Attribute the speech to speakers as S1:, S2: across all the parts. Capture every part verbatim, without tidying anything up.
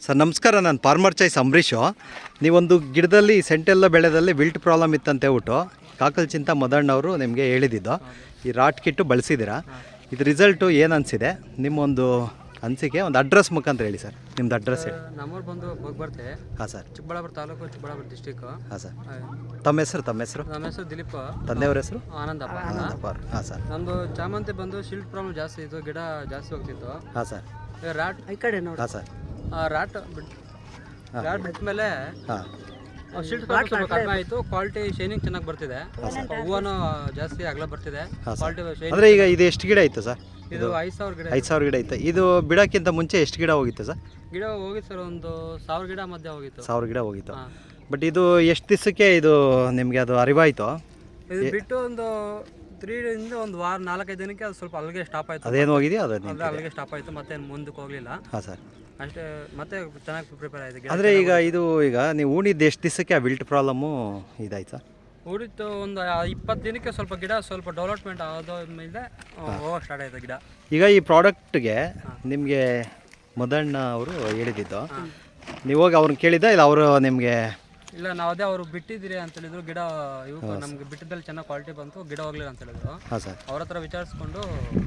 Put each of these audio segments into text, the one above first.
S1: Sir ನಮಸ್ಕಾರ, ನಾನು farmer choice Ambareesh. ನೀವೊಂದು ಗಿಡದಲ್ಲಿ ಸೆಂಟೆಲ್ಲ ಬೆಳೆದಲ್ಲಿ ವಿಲ್ಟ್ ಪ್ರಾಬ್ಲಮ್ ಇತ್ತಂತ ಹೇಳ್ಬಿಟ್ಟು ಕಾಕಲ್ ಚಿಂತ ಮದಣ್ಣವರು ನಿಮಗೆ ಹೇಳಿದ್ದು. ಈ ರಾಟ್ ಕಿಟ್ಟು ಬಳಸಿದ್ದೀರಾ, ಇದು ರಿಸಲ್ಟು ಏನು ಅನಿಸಿದೆ? ನಿಮ್ಮೊಂದು ಅನಿಸಿಕೆ ಒಂದು ಅಡ್ರೆಸ್ ಮುಖಾಂತರ ಹೇಳಿ ಸರ್. ನಿಮ್ದು ಅಡ್ರೆಸ್ ಹೇಳಿ.
S2: ನಮ್ಮೂರು ಬಂದು ಹೋಗಿ ಬರ್ತೆ.
S1: ಹಾಂ ಸರ್.
S2: ಚಿಕ್ಕಬಳ್ಳಾಪುರ ತಾಲೂಕು, ಚಿಕ್ಕಬಳ್ಳಾಪುರ ಡಿಸ್ಟಿಕ್ಕು.
S1: ಹಾಂ ಸರ್. ತಮ್ಮ ಹೆಸರು? ತಮ್ಮ ಹೆಸರು?
S2: ನಮ್ಮ ಹೆಸರು ದಿಲೀಪ್.
S1: ತಂದೆಯವ್ರ ಹೆಸರು?
S2: ಆನಂದಪ್ಪ.
S1: ಆನಂದಪ್ಪ. ಹಾಂ ಸರ್.
S2: ನಮ್ಮದು ಚಾಮಂತಿ ಬಂದು ಶಿಲ್ಟ್ ಪ್ರಾಬ್ಲಮ್ ಜಾಸ್ತಿ ಇತ್ತು, ಗಿಡ ಜಾಸ್ತಿ ಹೋಗ್ತಿತ್ತು.
S1: ಹಾಂ ಸರ್.
S2: ರಾಟ್ ಈ ಕಡೆ ನೋಡಿ.
S1: ಹಾಂ ಸರ್.
S2: ರಾಟ್ ಬಿಟ್ಟು ರಾಟ್ ಬಿಟ್ಟ ಮೇಲೆ
S1: ಹಾಂ
S2: ಶಿಲ್ಟ್ ಪ್ರಾಬ್ಲಮ್ ಸ್ವಲ್ಪ ಕಡಿಮೆ ಆಯಿತು. ಕ್ವಾಲಿಟಿ ಶೈನಿಂಗ್ ಚೆನ್ನಾಗಿ ಬರ್ತಿದೆ, ಹೂವನು ಜಾಸ್ತಿ ಅಗಲ ಬರ್ತಿದೆ. Quality shining.
S1: ಅಂದರೆ ಈಗ ಇದು ಎಷ್ಟು ಗಿಡ ಇತ್ತು ಸರ್?
S2: ಇದು ಐದು ಸಾವಿರ ಗಿಡ.
S1: ಐದು ಸಾವಿರ ಗಿಡ ಇತ್ತು. ಇದು ಬಿಡೋಕ್ಕಿಂತ ಮುಂಚೆ ಎಷ್ಟು ಗಿಡ ಹೋಗಿತ್ತು ಸರ್?
S2: ಗಿಡ ಹೋಗಿತ್ತು ಸರ್, ಒಂದು ಸಾವಿರ ಗಿಡ ಮಧ್ಯೆ ಹೋಗಿತ್ತು.
S1: ಸಾವಿರ ಗಿಡ ಹೋಗಿತ್ತು. ಬಟ್ ಇದು ಎಷ್ಟು ದಿವಸಕ್ಕೆ ಇದು ನಿಮಗೆ ಅದು ಅರಿವಾಯಿತು?
S2: ಇದು ಬಿಟ್ಟು ಒಂದು ತ್ರೀ ಇಂದ ಒಂದು ವಾರ ನಾಲ್ಕೈದು ದಿನಕ್ಕೆ ಅದು ಸ್ವಲ್ಪ ಅಲ್ಲಿಗೆ ಸ್ಟಾಪ್ ಆಯಿತು.
S1: ಅದೇನು ಹೋಗಿದೆಯಾ? ಅದು
S2: ಅಲ್ಲಿಗೆ ಸ್ಟಾಪ್ ಆಯಿತು, ಮತ್ತೆ ಮುಂದಕ್ಕೆ ಹೋಗಲಿಲ್ಲ.
S1: ಹಾಂ ಸರ್.
S2: ಅಷ್ಟೇ, ಮತ್ತೆ ಚೆನ್ನಾಗಿ ಪ್ರಿಪೇರ್ ಆಯಿತು.
S1: ಅಂದರೆ ಈಗ ಇದು ಈಗ ನೀವು ಉಣಿದ್ದು ಎಷ್ಟು ದಿವಸಕ್ಕೆ ಆ ವಿಲ್ಟ್ ಪ್ರಾಬ್ಲಮ್ಮು ಇದಾಯ್ತು ಸರ್?
S2: ಉಳಿತು ಒಂದು ಇಪ್ಪತ್ತು ದಿನಕ್ಕೆ ಸ್ವಲ್ಪ ಗಿಡ ಸ್ವಲ್ಪ ಡೆವಲಪ್ಮೆಂಟ್ ಆದ ಮೇಲೆ ಹೋಗೋಕೆ ಸ್ಟಾರ್ಟ್ ಆಯಿತು ಗಿಡ.
S1: ಈಗ ಈ ಪ್ರಾಡಕ್ಟ್ಗೆ ನಿಮಗೆ ಮದಣ್ಣ ಅವರು ಹೇಳಿದ್ದು, ನೀವು ಹೋಗಿ ಅವ್ರನ್ನ ಕೇಳಿದ್ದ ಇಲ್ಲ ಅವರು ನಿಮಗೆ?
S2: ಇಲ್ಲ, ನಾವು ಅದೇ ಅವರು ಬಿಟ್ಟಿದ್ದೀರಿ ಅಂತ ಹೇಳಿದ್ರು. ಗಿಡ ಇವು ನಮ್ಗೆ ಬಿಟ್ಟಿದ್ದಲ್ಲಿ ಚೆನ್ನಾಗಿ ಕ್ವಾಲಿಟಿ ಬಂತು, ಗಿಡ ಹೋಗ್ಲಿಲ್ಲ ಅಂತ ಹೇಳಿದ್ರು.
S1: ಹಾಂ ಸರ್.
S2: ಅವ್ರ ಹತ್ರ ವಿಚಾರಿಸ್ಕೊಂಡು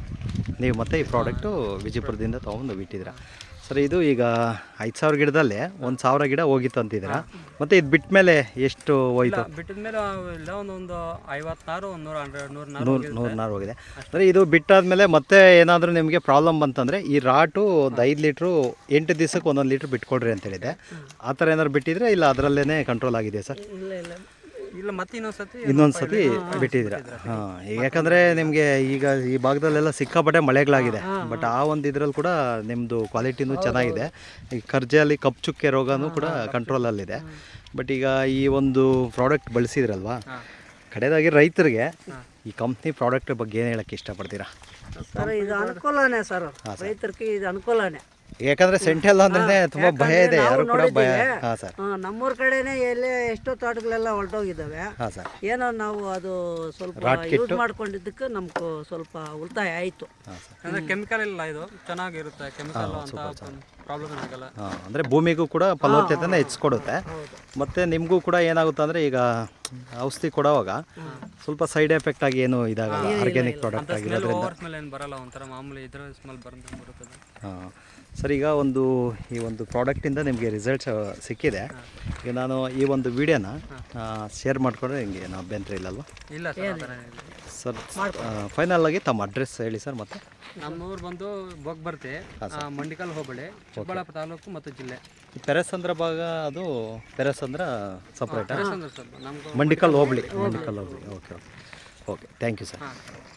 S1: ನೀವು ಮತ್ತೆ ಈ ಪ್ರಾಡಕ್ಟು ವಿಜಯಪುರದಿಂದ ತೊಗೊಂಡು ಬಿಟ್ಟಿದ್ದೀರಾ ಸರ್. ಇದು ಈಗ ಐದು ಸಾವಿರ ಗಿಡದಲ್ಲೇ ಒಂದು ಸಾವಿರ ಗಿಡ ಹೋಗಿತ್ತು ಅಂತಿದ್ದೀರಾ. ಮತ್ತು ಇದು ಬಿಟ್ಟ ಮೇಲೆ ಎಷ್ಟು ಹೋಯ್ತು?
S2: ಬಿಟ್ಟಿದ ಮೇಲೆ ಇಲ್ಲ ಒಂದೊಂದು ಐವತ್ತಾರು ಒಂದು ನೂರ ಹಂಡ್ರೆಡ್ ನೂರು
S1: ನೂರು ನೂರು ನಾರು ಹೋಗಿದೆ. ಅಂದರೆ ಇದು ಬಿಟ್ಟಾದಮೇಲೆ ಮತ್ತೆ ಏನಾದರೂ ನಿಮಗೆ ಪ್ರಾಬ್ಲಮ್ ಬಂತಂದರೆ ಈ ರಾಟು ಒಂದು ಐದು ಲೀಟ್ರು ಎಂಟು ದಿವಸಕ್ಕೆ ಒಂದೊಂದು ಲೀಟ್ರ್ ಬಿಟ್ಕೊಡ್ರಿ ಅಂತ ಹೇಳಿದೆ. ಆ ಥರ ಏನಾದ್ರು ಬಿಟ್ಟಿದ್ರೆ ಇಲ್ಲ ಅದರಲ್ಲೇ ಕಂಟ್ರೋಲ್ ಆಗಿದೆ ಸರ್?
S2: ಇಲ್ಲ ಇಲ್ಲ ಇಲ್ಲ ಮತ್ತೆ ಇನ್ನೊಂದ್ಸತಿ
S1: ಇನ್ನೊಂದು ಸತಿ ಬಿಟ್ಟಿದ್ದೀರಾ? ಹಾಂ. ಯಾಕಂದರೆ ನಿಮಗೆ ಈಗ ಈ ಭಾಗದಲ್ಲೆಲ್ಲ ಸಿಕ್ಕಾಪಟ್ಟೆ ಮಳೆಗಳಾಗಿದೆ. ಬಟ್ ಆ ಒಂದು ಇದರಲ್ಲಿ ಕೂಡ ನಿಮ್ಮದು ಕ್ವಾಲಿಟಿನೂ ಚೆನ್ನಾಗಿದೆ. ಈ ಕರ್ಜೆಯಲ್ಲಿ ಕಪ್ಪು ಚುಕ್ಕೆ ರೋಗನೂ ಕೂಡ ಕಂಟ್ರೋಲಲ್ಲಿದೆ. ಬಟ್ ಈಗ ಈ ಒಂದು ಪ್ರಾಡಕ್ಟ್ ಬಳಸಿದ್ರಲ್ವಾ, ಕಡೆಯದಾಗಿ ರೈತರಿಗೆ ಈ ಕಂಪ್ನಿ ಪ್ರಾಡಕ್ಟ್ ಬಗ್ಗೆ ಏನು ಹೇಳೋಕ್ಕೆ ಇಷ್ಟಪಡ್ತೀರಾ
S3: ಸರ್? ಇದು ಅನುಕೂಲನೇ ಸರ್, ರೈತರಿಗೆ ಇದು ಅನುಕೂಲನೇ.
S1: ಯಾಕಂದ್ರೆ ಸೆಂಟೆಲ್ಲ ಅಂದ್ರೆ ತುಂಬಾ ಭಯ ಇದೆ, ಯಾರು ಕೂಡ ಭಯ. ಹಾಂ ಸರ್.
S3: ನಮ್ಮೂರ ಕಡೆನೇ ಎಲ್ಲೇ ಎಷ್ಟೋ ತೋಟಗಳೆಲ್ಲ ಹೊರಟೋಗಿದ್ದಾವೆ.
S1: ಹಾಂ ಸರ್.
S3: ಏನೋ ನಾವು ಅದು ಸ್ವಲ್ಪ ಯೂಸ್ ಮಾಡ್ಕೊಂಡಿದ್ದಕ್ಕೆ ನಮ್ಗೆ ಸ್ವಲ್ಪ ಉಳಿತಾಯ ಆಯಿತು.
S2: ಅಂದರೆ ಕೆಮಿಕಲ್ ಇಲ್ಲ, ಇದು ಚೆನ್ನಾಗಿರುತ್ತೆ. ಕೆಮಿಕಲ್ ಅಂತ ಪ್ರಾಬ್ಲಮ್ ಆಗಲ್ಲ.
S1: ಹಾಂ. ಅಂದರೆ ಭೂಮಿಗೂ ಕೂಡ ಫಲವತ್ತತೆನ ಹೆಚ್ಚಿಕೊಡುತ್ತೆ. ಮತ್ತು ನಿಮಗೂ ಕೂಡ ಏನಾಗುತ್ತೆ ಅಂದರೆ ಈಗ ಔಷಧಿ ಕೊಡುವಾಗ ಸ್ವಲ್ಪ ಸೈಡ್ ಎಫೆಕ್ಟ್ ಆಗಿ ಏನು ಇದಾಗಲ್ಲ, ಆರ್ಗ್ಯಾನಿಕ್ ಪ್ರಾಡಕ್ಟ್ ಆಗಿರೋದ್ರಿಂದ.
S2: ಸ್ಮೆಲ್ ಏನು ಬರಲ್ಲ, ಒಂಥರ ಮಾಮೂಲಿ ಇದರ ಸ್ಮೆಲ್ ಬರುತ್ತೆ ಬರುತ್ತದೆ.
S1: ಹಾಂ ಸರ್. ಈಗ ಒಂದು ಈ ಒಂದು ಪ್ರಾಡಕ್ಟಿಂದ ನಿಮಗೆ ರಿಸಲ್ಟ್ಸ್ ಸಿಕ್ಕಿದೆ. ಈಗ ನಾನು ಈ ಒಂದು ವಿಡಿಯೋನ ಶೇರ್ ಮಾಡಿಕೊಂಡ್ರೆ ನಿಮಗೆ ಏನು ಅಭ್ಯಂತರ ಇಲ್ಲಲ್ವ?
S2: ಇಲ್ಲ ಸರ್.
S1: ಸರ್ ಫೈನಲ್ ಆಗಿ ತಮ್ಮ ಅಡ್ರೆಸ್ ಹೇಳಿ ಸರ್. ಮತ್ತು
S2: ನಮ್ಮೂರು ಬಂದು ಬೋಗ್ಬರ್ತಿ, ಮಂಡಿಕಲ್ ಹೋಬಳಿ, ಚಿಕ್ಕಬಳ್ಳಾಪುರ ತಾಲೂಕು ಮತ್ತು ಜಿಲ್ಲೆ.
S1: ಪೆರಸಂದ್ರ ಭಾಗ ಅದು ಪೆರಸಂದ್ರ ಸಪ್ರೇಟ್,
S2: ಪೆರಸಂದ್ರ ಸರ್. ನಮ್ಗೆ
S1: ಮಂಡಿಕಲ್ ಹೋಬಳಿ. ಮಂಡಿಕಲ್ ಹೋಬಳಿ. Okay okay okay thank you sir.